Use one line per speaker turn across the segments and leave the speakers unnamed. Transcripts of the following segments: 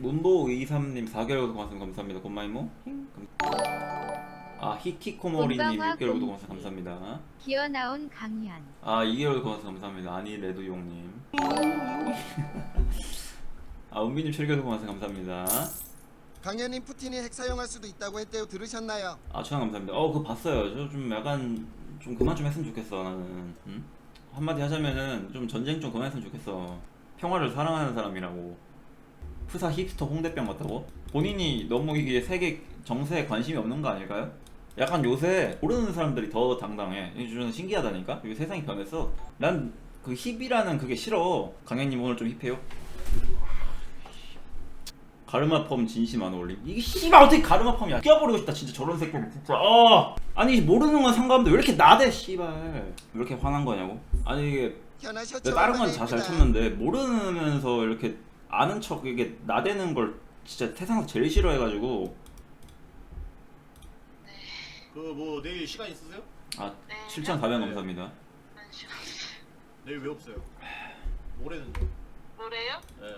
문보23님 4개월 구독 감사합니다. 곤마이모. 아 히키코모리님 6개월 구독 감사합니다.
기어 나온 강현.
아 2개월 구독 감사합니다. 아니 레드용님. 아 은비님 7개월 구독 감사합니다.
강현님 푸틴이 핵 사용할 수도 있다고 했대요. 들으셨나요?
아 추천 감사합니다. 그거 봤어요. 저 좀 약간 좀 그만 좀 했으면 좋겠어 나는. 응? 한마디 하자면은 좀 전쟁 좀 그만했으면 좋겠어. 평화를 사랑하는 사람이라고. 푸사 힙스터 홍대병 같다고? 본인이 너무 이게 세계 정세에 관심이 없는 거 아닐까요? 약간 요새 모르는 사람들이 더 당당해. 저는 신기하다니까? 이게 세상이 변했어. 난 그 힙이라는 그게 싫어. 강현님 오늘 좀 힙해요? 가르마펌 진심 안 어울림. 이게 씨발 어떻게 가르마펌이야. 끼워버리고 싶다 진짜 저런 새끼는 진짜. 아니 모르는 건 상관없는데 왜 이렇게 나대 씨발. 왜 이렇게 화난 거냐고? 아니 이게
현아셔츠
내가 다른 건 잘 참는데 모르면서 이렇게 아는 척 이게 나대는 걸 진짜 세상에서 제일 싫어해가지고.
그 뭐 내일 시간 있으세요?
아 7,400원 감사합니다.
내일 왜 없어요? 모레는요?
뭐래요?
네.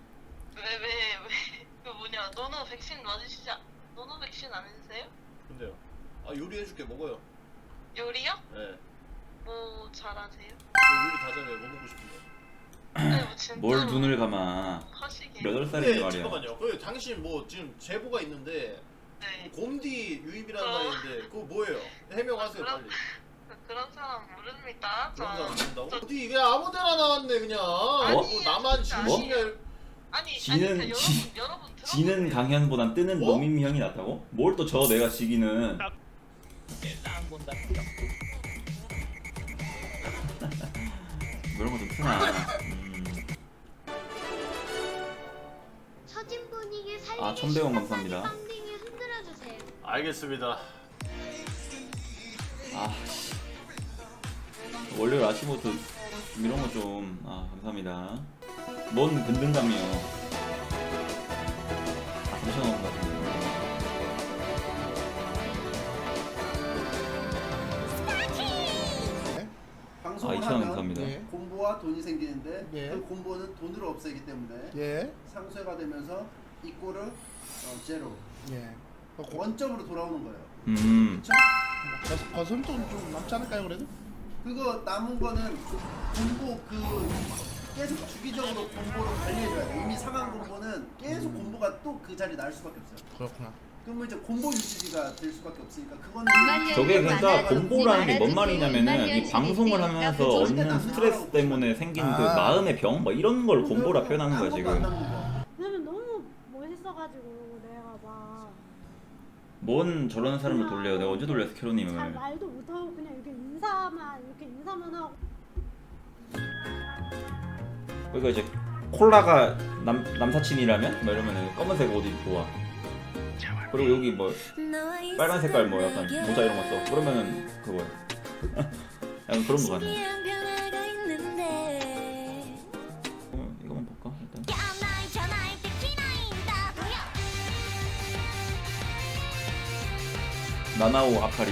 왜? 그 뭐냐? 너는 백신 맞으시지? 너는 백신 안 해주세요?
근데요. 아 요리해줄게 먹어요.
요리요?
네.
뭐 잘하세요?
요리 다 잘해요. 뭐 먹고 싶은데.
아니 뭐 진짜로
뭘 눈을 감아.
하시게.
8살인데
근데
말이야.
잠깐만요. 그 당신 뭐 지금 제보가 있는데
네.
곰디 유입이라는 말인데 그거 뭐예요? 해명하세요
그럼-
빨리.
그런 사람 모릅니다.
그런 사람 모른다고?
저-
어디 그냥 아무데나 나왔네 그냥.
아니,
뭐 나만
진짜
진심이
아니
지는-
그러니까 여러분
지는 강현보단 뜨는
뭐?
노민미 형이 낫다고? 뭘 또 저 내가 지기는. 이런 거 좀 트나.
처진 분위기 살리기
아, 1,100원 감사합니다.
빵딩이 흔들어주세요.
알겠습니다.
아 씨. 월요일 아침부터 이런 거 좀. 아 감사합니다. 뭔 근등감이요. 아 3,000원 감사합니다.
방송을
2,000원
하면
감사합니다.
예.
콤보와 돈이 생기는데
예.
그 콤보는 돈으로 없애기 때문에
예.
상쇄가 되면서 이꼬르 제로
예.
원점으로 돌아오는 거예요.
음.
그렇죠?
거슴 좀 남지 않을까요 그래도?
그거 남은 거는 콤보 계속 주기적으로 콤보를 관리해줘야 돼. 이미 상한 콤보는 계속 콤보가 또 그 자리 날 수밖에 없어요.
그렇구나.
그러면 이제 콤보 유지가 될 수밖에 없으니까 그거는
저게 그러니까 콤보라는 게 뭔 말이냐면은 이 방송을
그러니까
하면서 얻는 스트레스 때문에 생긴 그
아.
마음의 병? 뭐 이런 걸 콤보라 표현하는 거야
아무것도 안
지금.
남는 거.
왜냐면 너무 멋있어가지고 내가 막
뭔 저런 사람을 돌려요. 내가 언제 돌렸어
잘
캐로님을.
말도 못하고 그냥 이렇게 인사만 하고
그러니까 이제 콜라가 남사친이라면? 뭐 이러면 검은색 옷 입고 와. 그리고 여기 뭐 빨간 색깔 뭐 약간 모자 이런 거 써. 그러면은 그거야. 약간 그런 거 같네. 이거만 볼까 일단. 나나오 아카리.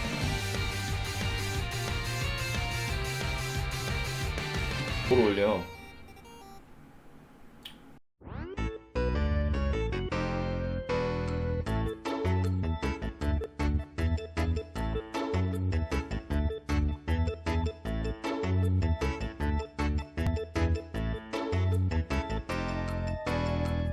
뭘 올려?